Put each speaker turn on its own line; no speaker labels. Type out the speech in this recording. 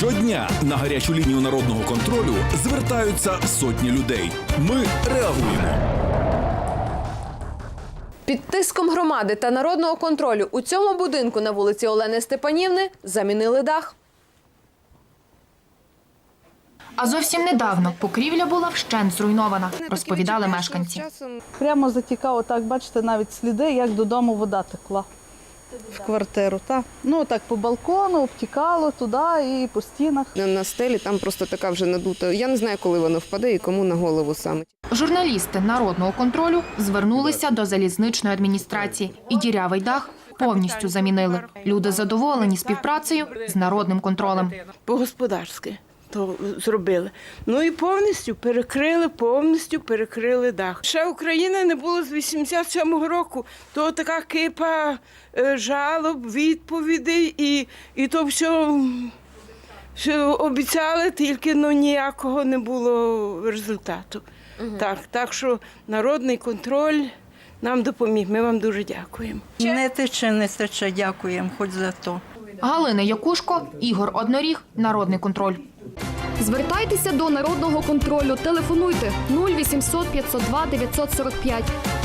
Щодня на гарячу лінію народного контролю звертаються сотні людей. Ми реагуємо.
Під тиском громади та народного контролю у цьому будинку на вулиці Олени Степанівни замінили дах.
А зовсім недавно покрівля була вщент зруйнована, розповідали мешканці.
Прямо затікало, так, бачите, навіть сліди, як додому вода текла в квартиру. Так. Ну, так по балкону, обтікало туди і по стінах.
На стелі там просто така вже надута. Я не знаю, коли воно впаде і кому на голову саме.
Журналісти народного контролю звернулися до залізничної адміністрації і дірявий дах повністю замінили. Люди задоволені співпрацею з народним контролем.
По-господарськи то зробили. Ну і повністю перекрили дах. Ще України не було з 87-го року. То така кипа жалоб, відповідей і то все обіцяли, тільки ніякого не було результату. Так що народний контроль нам допоміг. Ми вам дуже дякуємо.
Не тече, дякуємо, хоч за то.
Галина Якушко, Ігор Одноріг, Народний контроль.
Звертайтеся до народного контролю. Телефонуйте 0800 502 945.